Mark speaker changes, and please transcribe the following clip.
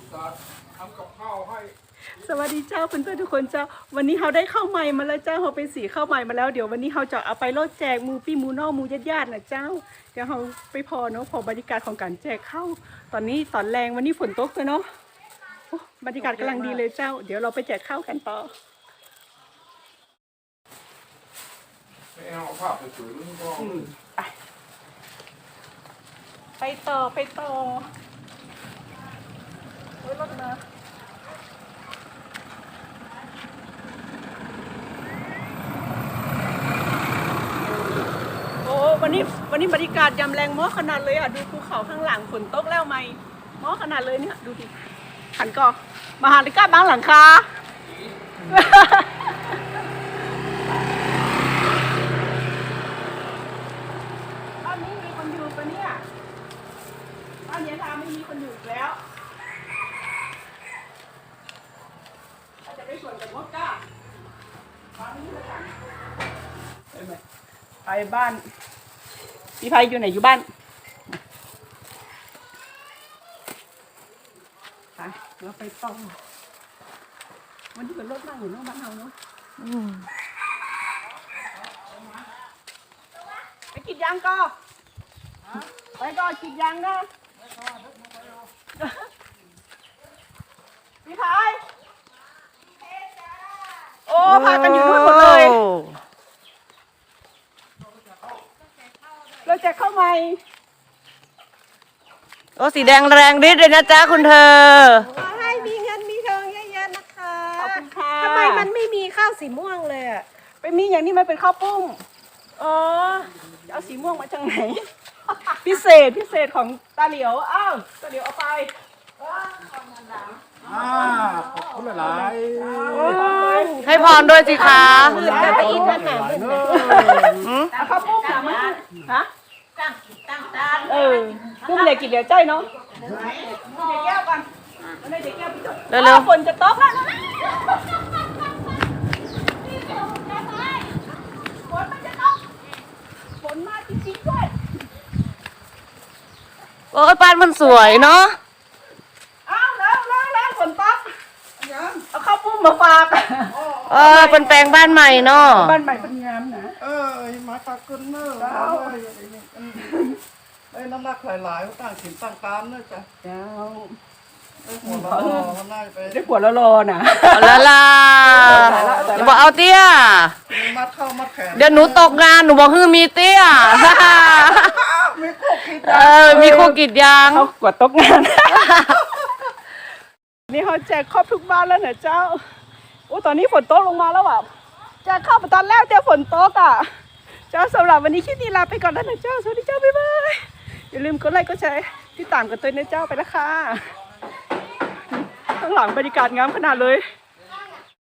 Speaker 1: ทำกับข้าวให้
Speaker 2: สวัสดีเจ้าเพื่อนๆทุกคนเจ้าวันนี้เราได้ข้าวใหม่มาแล้วเจ้าเราไปสีข้าวใหม่มาแล้วเดี๋ยววันนี้เราจะเอาไปโลดแจกมูปี้มูนอกมูญาติๆนะเจ้าเดี๋ยวเราไปพอเนาะพอบรรยากาศของการแจกข้าวตอนนี้ตอนแรงวันนี้ฝนตกเลยเนาะบรรยากาศกำลังดีเลยเจ้าเดี๋ยวเราไปแจกข้าวกันต่อ
Speaker 1: ไม่เอาภาพสวยๆนี่ก็
Speaker 2: ไปต่อโอ้ยรถมาวันนี้บรรยากาศยามแรงม้อขนาดเลยอ่ะดูภูเขาข้างหลังฝนตกแล้วไหมม้อขนาดเลยเนี่ยดูดิขันก่อมาหาลิก้าบ้างหลังคาบ้านนี้มีคนอยู่ปะเนี่ยบ้านยายทาไม่มีคนอยู่แล้วเราจะไปสวนกับมดก้าบ้านนี้เลยค่ะไปบ้านพี่ไพอยู่ไหนอยู่บ้านไปเราไปต่อวันนี้เป็นรถนั่งอยู่นอกบ้านเราเนาะไปกินยางก็ไปก็กินยางนะพี่ไพโอ้พากันอยู่ด้วยหมดเลยเราจะเข้าใหม่
Speaker 3: โอ้สีแดงแรงฤทธิ์เลยนะจ๊ะคุณเธอ
Speaker 4: ขอให้มีเงินมีทองเยอะๆนะคะ
Speaker 2: ขอบคุณค่ะ
Speaker 4: ทำไมมันไม่มีข้าวสีม่วงเลยอ่ะ
Speaker 2: ไปมีอย่างนี้มันเป็นข้าวปุ้มอ๋อเอาสีม่วงมาจากไหน พิเศษของตาเหลียวอ้าวตาเหลียวเอาไป
Speaker 1: ขอบคุณหลาย
Speaker 3: ให้พรด้วยสิคะ
Speaker 4: ได้ไปอีกขนาดนึง
Speaker 2: เอาข้าวปุ้มหนามาฮะปุ้มเหล็กกินเดี๋ยวใจเนาะเดี๋ยวแก้วกันเดี๋ยวแก้วพี่จดเร็วฝนจะตกแล้วฝนมันจะตกฝนมาจริงๆด้วย
Speaker 3: โอ้ยบ้านมันสวยเนาะ
Speaker 2: เอาแล้วฝนตกเอาข้าวปุ้มมาฝาก
Speaker 3: เป็นแปลงบ้านใหม่เนาะ
Speaker 2: บ้านใหม่เป็นงามนะ
Speaker 1: มาตากุนเนอร์น้ำหนักหลายๆตั้งถิ่นตั้งตามเนอะจ้ะ
Speaker 2: เจ้า
Speaker 1: หัวเรามันน่าจะไป
Speaker 2: ได้หัวละโลนะ
Speaker 3: ละลาอย่าบอกเอาเตี้ย
Speaker 1: มัดเข้ามัดแขน
Speaker 3: เดี๋ยวหนูตกงานหนูบอกฮือมีเตี้ย
Speaker 1: มีคู่คิด
Speaker 3: มีคู่กิจยาง
Speaker 2: เขากวดตกงานนี่เขาแจกครอบทุกบ้านแล้วเนี่ยเจ้าโอ้ตอนนี้ฝนตกลงมาแล้วอ่ะแจกข้าวตอนแรกเจอฝนตกอ่ะเจ้าสำหรับวันนี้คลิปนี้ลาไปก่อนแล้วนะเจ้าสวัสดีเจ้าบ๊ายบายอย่าลืมกดไลค์กดแชร์ที่ตามกันตัวนะเจ้าไปละค่ะข้างหลังบรรยากาศงามขนาดเลย